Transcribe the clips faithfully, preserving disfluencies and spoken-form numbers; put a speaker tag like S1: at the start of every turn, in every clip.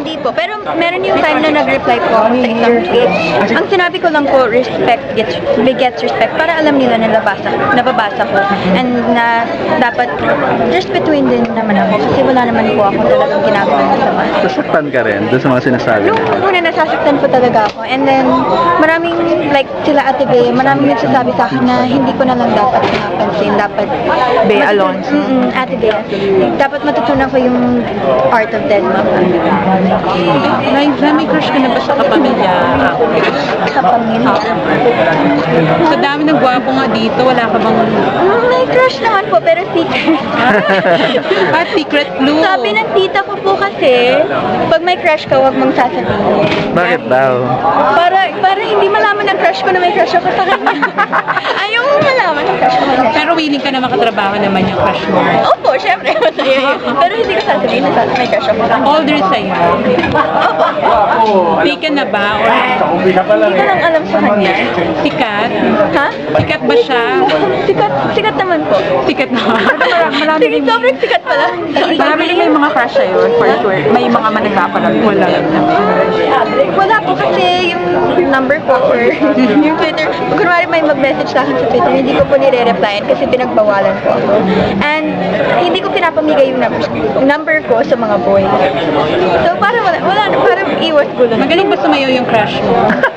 S1: Hindi po. Pero meron yung time na nag-reply po ako sa isang tweet. Ang sinabi ko lang po, respect gets, begets respect. Para alam nila na nabasa, nababasa ko. And na dapat just between din naman ako. Kasi wala naman po ako talagang ginagawa ng sama.
S2: Nasaktan ka rin doon sa mga sinasabi
S1: Nung
S2: niya.
S1: una nasasaktan po talaga ako. And then, maraming, like, sila Ate Bea, maraming nagsasabi sa akin na hindi ko na lang dapat pinapansin. Dapat,
S3: Bea Alonso.
S1: Mm-mm, Ate Bea. Dapat matutunan ko yung art of dead mom.
S3: Liza, may crush ka na ba sa kapamilya?
S1: Sa pamilya.
S3: Sa dami ng gwapo nga dito, wala ka bang
S1: Mm, may crush naman po, pero secret.
S3: ah, secret clue?
S1: Sabi ng tita ko po kasi, pag may crush ka, huwag mong sasabihin.
S2: Bakit daw?
S1: Para, para hindi malaman ng crush ko na may crush ako sa kanya. Ayaw mo malaman ng crush ko.
S3: Pero willing ka na makatrabaho naman yung crush mo.
S1: Opo, syempre, masaya yun. Pero hindi ko sasabihin na sa may crush ako.
S3: Older sa'yo. Taken na ba? Or
S1: Hindi ko lang alam sa kanya.
S3: sikat?
S1: Ha?
S3: Sikat ba siya?
S1: Sikat, sikat naman po.
S3: Sikat na.
S1: Marami rin. Sobrang sikat pala.
S3: Marami rin may mga crush sa'yo, for sure. May mga managpapalag. Wala.
S1: Wala po kasi yung number ko or yung Twitter. Kunwari may mag-message sa akin sa Twitter, hindi ko po nire-replyan kasi pinagbawalan ko ako. And hindi ko pinapamigay yung number, number ko sa mga boys. So parang wala, wala parang iwas gulo.
S3: Magaling ba sumayaw yung crush mo?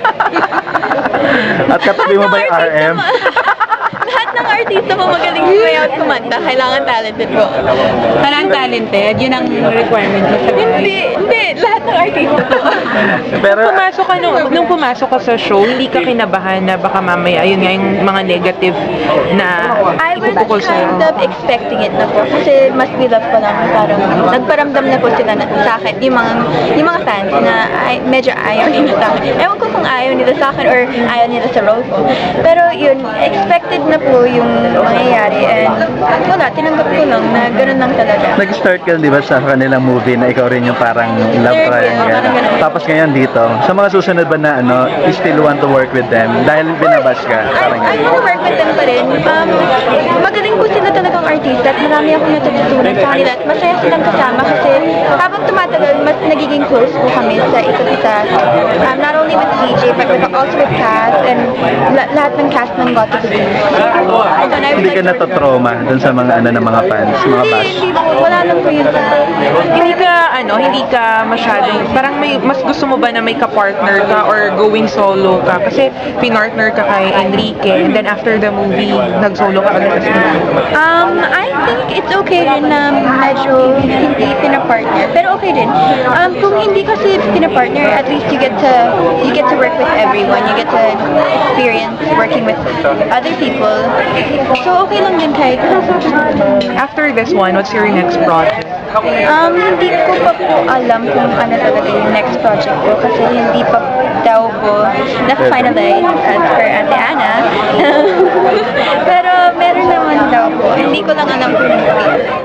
S2: At katabi mo ba yung R M?
S1: Lahat ng artista po magaling sumayaw at kumanta. Kailangan talented po.
S3: Parang talented, yun ang requirement mo sa
S1: Hindi, hindi. Lahat ng artista po.
S2: Pero,
S4: Pumasok ka nung, nung pumasok ka sa show, hindi ka kinabahan na baka mamaya, ayun nga yung mga negative na
S1: I was
S4: ibubukol sa'yo.
S1: kind of expecting it na po. Kasi mas we love ko lang. Parang nagparamdam na po sila na, sa akin. Yung mga, yung mga fans na ay, medyo ayaw nila sa akin. Ewan ko kung ayaw nila sa akin or ayaw nila sa role ko. Pero yun, expected na po yung mangyayari. And wala, tinanggap ko lang na gano'n lang talaga.
S2: nag-start ka di ba sa kanilang movie na ikaw rin yung parang love
S1: Third,
S2: triangle.
S1: parang ganun.
S2: Tapos ngayon dito, sa mga susunod ba na ano, you still want to work with them dahil binabash ka?
S1: I,
S2: Parang
S1: I
S2: ganun.
S1: wanna work with them pa rin. Um, magaling po sila talagang artista at marami akong natututunan sa kanila at masaya silang kasama kasi habang tumatagal, mas nagiging close po kami sa isa't isa. Um, not only with D J, but with, also with cast and la- lahat ng cast ng Got to Be. So, and I would
S2: Hindi ka
S1: like to work with them.
S2: natotrauma dun sa mga ano ng mga fans, mga
S1: Hindi,
S2: bash.
S1: hindi po. Wala lang po yun.
S4: Hindi ka, ano, hindi ka masyadong, parang may, mas gusto mo ba na may ka-partner ka or going solo ka? Kasi pinartner ka kay Enrique and then after the movie, nag-solo ka agad sa
S1: Um, I think it's okay rin na medyo hindi pinapartner. Pero okay din. Um, kung hindi kasi pinapartner, at least you get to you get to work with everyone. You get to experience working with other people. So okay lang din kahit
S4: After this one, what's your next project?
S1: um, hindi ko pa po alam kung ano talaga yung next project ko kasi hindi pa daw po na-finalize as per Ate Ana. Pero meron naman daw po. Hindi ko lang alam kung